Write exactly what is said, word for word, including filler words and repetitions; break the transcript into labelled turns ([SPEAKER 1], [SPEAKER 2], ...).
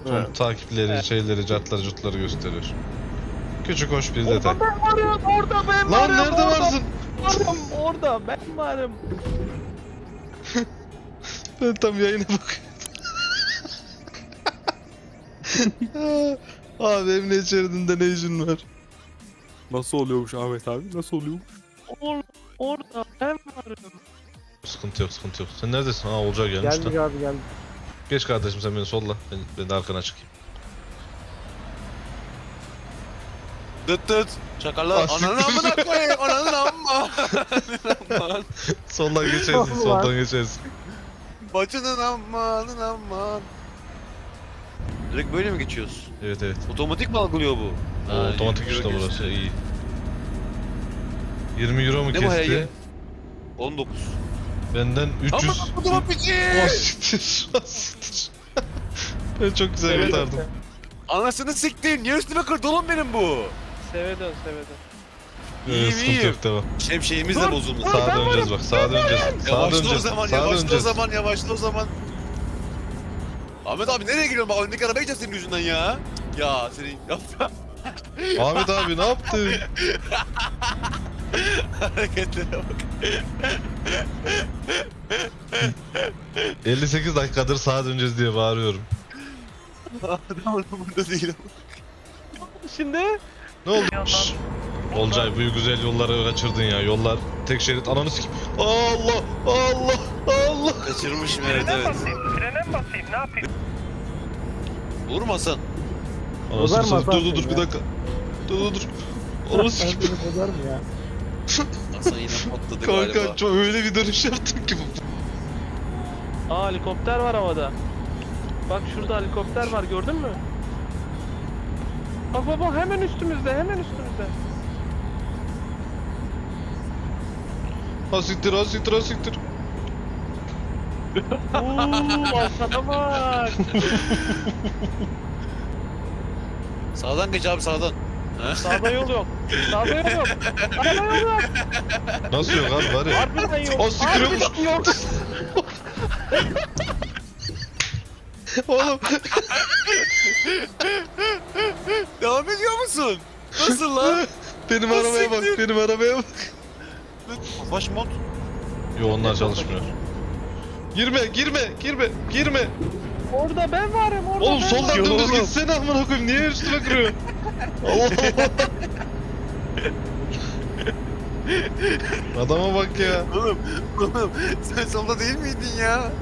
[SPEAKER 1] Son
[SPEAKER 2] Evet.
[SPEAKER 1] takipleri,
[SPEAKER 3] Evet.
[SPEAKER 1] şeyleri, cartları, curtları gösteriyor. Küçük hoş bir detay.
[SPEAKER 3] Orada ben varım, orada ben
[SPEAKER 1] Lan
[SPEAKER 3] varım.
[SPEAKER 1] nerede
[SPEAKER 3] orada
[SPEAKER 1] varsın?
[SPEAKER 3] ben varım, orada ben varım.
[SPEAKER 1] Ben tam yayına bakıyorum. Abi emniyet şeridinde ne işin var?
[SPEAKER 2] Nasıl oluyormuş Ahmet abi? Nasıl oluyormuş?
[SPEAKER 3] Or orada ben varım.
[SPEAKER 1] Sıkıntı yok, sıkıntı yok. Sen neredesin? Ha Olcay gelmiş
[SPEAKER 4] Geldik
[SPEAKER 1] lan.
[SPEAKER 4] abi geldik.
[SPEAKER 1] Geç kardeşim sen beni solla. Ben, ben de arkana çıkayım.
[SPEAKER 5] Dıt dıt. Çakallar.
[SPEAKER 1] Ah,
[SPEAKER 5] Ananı
[SPEAKER 1] siktir.
[SPEAKER 5] amına koyayım. Ananı amma. Aman.
[SPEAKER 1] Soldan geçersin,
[SPEAKER 4] Allah.
[SPEAKER 1] soldan geçersin.
[SPEAKER 5] Bacının amanın aman. Direkt böyle mi geçiyoruz?
[SPEAKER 1] Evet evet.
[SPEAKER 5] Otomatik mi algılıyor bu?
[SPEAKER 1] O
[SPEAKER 5] Ha,
[SPEAKER 1] otomatik
[SPEAKER 5] yirmi
[SPEAKER 1] işte
[SPEAKER 5] euro
[SPEAKER 1] burası
[SPEAKER 5] geçti.
[SPEAKER 1] iyi. yirmi euro mu
[SPEAKER 5] Ne bu
[SPEAKER 1] kesti?
[SPEAKER 5] heye? on dokuz.
[SPEAKER 1] Benden üç yüz.
[SPEAKER 5] Aman kutumu piçi.
[SPEAKER 1] O siktir. O siktir. Ben çok güzel
[SPEAKER 3] Evet,
[SPEAKER 1] kurtardım.
[SPEAKER 5] Anasını siktin. Niye üstüme kırdı oğlum benim bu?
[SPEAKER 3] Seve dön, seve dön.
[SPEAKER 1] Ee,
[SPEAKER 5] İyiyim,
[SPEAKER 1] sıkıntı
[SPEAKER 5] iyiyim.
[SPEAKER 1] yok devam.
[SPEAKER 5] Şemsiyemiz de bozuldu.
[SPEAKER 1] Sağa döneceğiz bak, sağa döneceğiz. Sağa
[SPEAKER 5] Yavaşla o
[SPEAKER 1] döneceğiz.
[SPEAKER 5] zaman,
[SPEAKER 1] Sağa
[SPEAKER 5] yavaşla o
[SPEAKER 1] döneceğiz.
[SPEAKER 5] zaman, yavaşla o zaman. Ahmet abi nereye giriyorsun? Bak öndeki araba geçeceğiz senin yüzünden ya. Ya senin yapma
[SPEAKER 1] Ahmet abi ne yaptın?
[SPEAKER 5] hareketlere bak.
[SPEAKER 1] elli sekiz dakikadır sağa döneceğiz diye bağırıyorum.
[SPEAKER 5] Adam burada değil.
[SPEAKER 3] Şimdi
[SPEAKER 1] Ne oldu? Şşş. Olcay bu güzel yolları kaçırdın ya. Yollar tek şerit ananı sikeyim. Allah Allah Allah.
[SPEAKER 5] Kaçırmışım evet
[SPEAKER 3] frene
[SPEAKER 5] evet.
[SPEAKER 3] basayım, frene mi basayım, ne yapayım?
[SPEAKER 5] Olur mu Hasan?
[SPEAKER 1] Anasını
[SPEAKER 4] Bozar mı
[SPEAKER 1] satayım. Dur
[SPEAKER 4] Hasan
[SPEAKER 1] dur dur
[SPEAKER 4] seni
[SPEAKER 1] bir
[SPEAKER 4] ya?
[SPEAKER 1] dakika. Dur dur dur. Ananı
[SPEAKER 4] Ben
[SPEAKER 1] sikeyim.
[SPEAKER 4] seni bozar mı ya?
[SPEAKER 5] Hasan yine patladı galiba.
[SPEAKER 1] Kanka çok öyle bir dönüş yaptım ki bu.
[SPEAKER 3] Aa helikopter var havada. Bak şurada helikopter var, gördün mü? Bak baba hemen üstümüzde, hemen üstümüzde.
[SPEAKER 1] Ha siktir ha siktir ha siktir.
[SPEAKER 3] Uuu aşağıda bak.
[SPEAKER 5] Sağdan geç abi sağdan. Ha?
[SPEAKER 3] Sağda yol yok. Sağda yol yok. Sağda yol yok.
[SPEAKER 1] Nasıl yok abi var ya.
[SPEAKER 3] Harbiden yok.
[SPEAKER 1] O siktir yokmuş.
[SPEAKER 3] Harbiden yok.
[SPEAKER 1] Oğlum
[SPEAKER 5] Devam ediyor musun? Nasıl lan?
[SPEAKER 1] benim
[SPEAKER 5] O
[SPEAKER 1] arabaya bak
[SPEAKER 5] siktir.
[SPEAKER 1] benim arabaya bak.
[SPEAKER 5] Baş mod.
[SPEAKER 1] Yo onlar çalışmıyor. Girme girme girme girme.
[SPEAKER 3] Orada ben varım, orada
[SPEAKER 1] Oğlum
[SPEAKER 3] ben
[SPEAKER 1] soldan
[SPEAKER 3] varım.
[SPEAKER 1] dümdüz gitsene amına koyayım niye üstüme kırıyor? Allah Allah. Adama bak ya.
[SPEAKER 5] Oğlum, oğlum sen solda değil miydin ya?